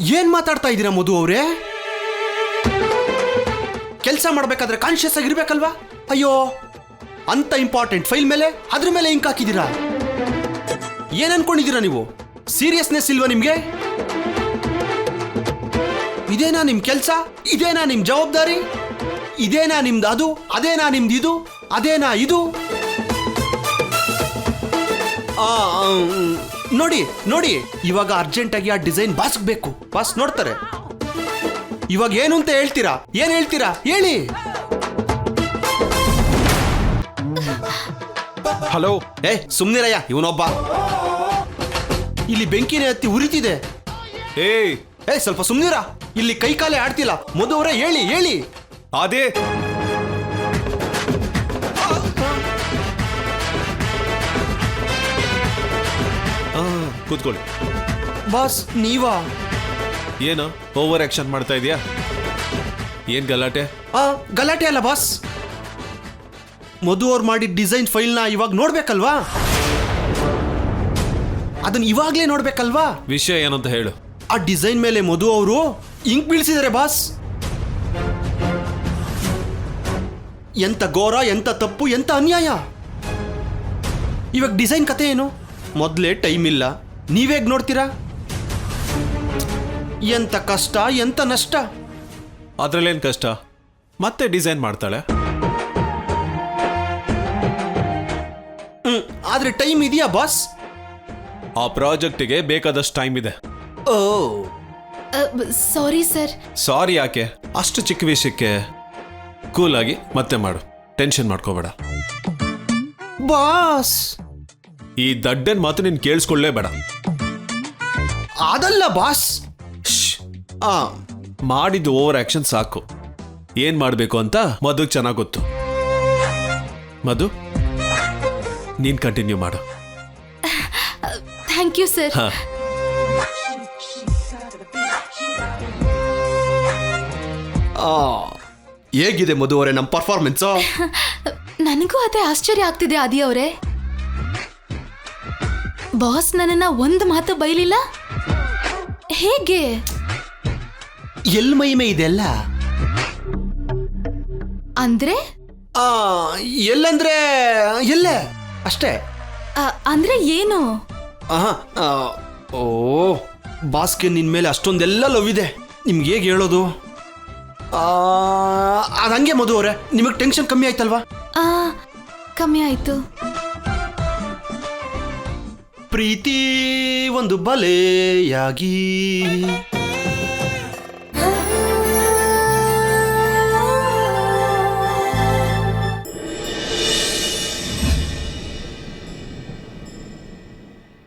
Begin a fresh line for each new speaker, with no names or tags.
ಏನ್ ಮಾತಾಡ್ತಾ ಇದ್ದೀರಾ ಮಧು ಅವರೇ? ಕೆಲಸ ಮಾಡ್ಬೇಕಾದ್ರೆ ಕಾನ್ಶಿಯಸ್ ಆಗಿರ್ಬೇಕಲ್ವಾ? ಅಯ್ಯೋ, ಅಂತ ಇಂಪಾರ್ಟೆಂಟ್ ಫೈಲ್ ಮೇಲೆ ಅದ್ರ ಮೇಲೆ ಇಂಕ್ ಹಾಕಿದ್ದೀರಾ. ಏನ್ ಅನ್ಕೊಂಡಿದ್ದೀರಾ ನೀವು? ಸೀರಿಯಸ್ನೆಸ್ ಇಲ್ವಾ ನಿಮ್ಗೆ? ಇದೇನಾ ನಿಮ್ ಕೆಲಸ? ಇದೇನಾ ನಿಮ್ ಜವಾಬ್ದಾರಿ? ಇದೇನಾ ನಿಮ್ದು ಅದು? ಅದೇನಾ ನಿಮ್ದು ಇದು? ಅದೇನಾ ಇದು? ನೋಡಿ ನೋಡಿ, ಇವಾಗ ಅರ್ಜೆಂಟ್ ಆಗಿ ಆ ಡಿಸೈನ್ ಬಾಸ್ಗೆ ಬೇಕು. ಬಾಸ್ ನೋಡ್ತಾರೆ. ಇವಾಗ ಏನು ಅಂತ ಹೇಳ್ತೀರಾ? ಏನ್ ಹೇಳ್ತೀರಾ ಹೇಳಿ?
ಹಲೋ.
ಸುಮ್ನಿರಯ್ಯ, ಇವನೊಬ್ಬ. ಇಲ್ಲಿ ಬೆಂಕಿನೇ ಹತ್ತಿ ಉರಿತಿದೆ.
ಏಯ್
ಸ್ವಲ್ಪ ಸುಮ್ನಿರ. ಇಲ್ಲಿ ಕೈ ಕಾಲೇ ಆಡ್ತಿಲ್ಲ. ಮಧು ಅವರೇ ಹೇಳಿ ಹೇಳಿ.
ಅದೇ ಕೂತ್ಕೊಳ್ಳಿ.
ಬಾಸ್ ನೀವಾ?
ಏನು ಓವರ್ ಆಕ್ಷನ್ ಮಾಡ್ತಾ ಇದೀಯಾ? ಏನ್ ಗಲಾಟೆ?
ಗಲಾಟೆ ಅಲ್ಲ ಬಾಸ್. ಮಧು ಅವ್ರು ಮಾಡಿದ ಡಿಸೈನ್ ಫೈಲ್ನ ಇವಾಗ ನೋಡ್ಬೇಕಲ್ವಾ? ಅದನ್ನ ಇವಾಗ್ಲೇ ನೋಡ್ಬೇಕಲ್ವಾ?
ವಿಷಯ ಏನಂತ ಹೇಳು.
ಆ ಡಿಸೈನ್ ಮೇಲೆ ಮಧು ಅವರು ಇಂಕ್ ಬೀಳ್ಸಿದ್ದಾರೆ ಬಾಸ್. ಎಂತ ಘೋರ, ಎಂತ ತಪ್ಪು, ಎಂತ ಅನ್ಯಾಯ. ಇವಾಗ ಡಿಸೈನ್ ಕತೆ ಏನು? ಮೊದಲೇ ಟೈಮ್ ಇಲ್ಲ, ನೀವೇಗ್ ನೋಡ್ತೀರಾ? ಎಂತ ಕಷ್ಟ, ಎಂತ ನಷ್ಟ.
ಅದ್ರಲ್ಲೇನ್ ಕಷ್ಟ? ಮತ್ತೆ ಡಿಸೈನ್ ಮಾಡ್ತಾಳೆ.
ಆದ್ರೆ ಟೈಮ್ ಇದೆಯಾ ಬಾಸ್?
ಆ ಪ್ರಾಜೆಕ್ಟಿಗೆ ಬೇಕಾದಷ್ಟು ಟೈಮ್ ಇದೆ.
ಓ
ಸಾರಿ ಸರ್.
ಸಾರಿ ಯಾಕೆ? ಅಷ್ಟು ಚಿಕ್ಕ ವಿಷಯಕ್ಕೆ ಕೂಲ್ ಆಗಿ ಮತ್ತೆ ಮಾಡು. ಟೆನ್ಷನ್ ಮಾಡ್ಕೋಬೇಡ.
ಬಾಸ್,
ಈ ದಡ್ಡನ್ ಮಾತು ನೀನ್ ಕೇಳಿಸ್ಕೊಳ್ಳೇಬೇಡ.
ಅದಲ್ಲ ಬಾಸ್.
ಮಾಡಿದ್ದು ಓವರ್ ಆಕ್ಷನ್ ಸಾಕು. ಏನ್ ಮಾಡ್ಬೇಕು ಅಂತ ಮಧುಗ್ ಚೆನ್ನಾಗ್ ಗೊತ್ತು. ಮಧು, ನೀನ್ ಕಂಟಿನ್ಯೂ ಮಾಡು.
Thank you sir.
ಹೇಗಿದೆ ಮಧು ಅವರೇ ನಮ್ಮ ಪರ್ಫಾರ್ಮೆನ್ಸ್?
ನನಗೂ ಅದೇ ಆಶ್ಚರ್ಯ ಆಗ್ತಿದೆ ಆದಿ ಅವರೇ. ಬಾಸ್ ನನ್ನನ್ನ ಒಂದು ಮಾತು ಬೈಲಿಲ್ಲ. ಹೇಗೆ?
ಎಲ್ ಮೈಮೆ ಇದೆಲ್ಲ
ಅಂದ್ರೆ?
ಎಲ್ಲಂದ್ರೆ ಎಲ್ಲೇ ಅಷ್ಟೇ.
ಅಂದ್ರೆ ಏನು?
ಓ, ಬಾಸ್ಗೆ ನಿನ್ ಮೇಲೆ ಅಷ್ಟೊಂದೆಲ್ಲ ಲವ್ ಇದೆ. ನಿಮ್ಗೆ ಹೇಗೆ ಹೇಳೋದು? ಅದಂಗೆ ಮಧು ಅವರೇ, ನಿಮಗೆ ಟೆನ್ಷನ್ ಕಮ್ಮಿ ಆಯ್ತಲ್ವಾ?
ಕಮ್ಮಿ ಆಯ್ತು.
ಪ್ರೀತಿ ಒಂದು ಬಲೆಯಾಗಿ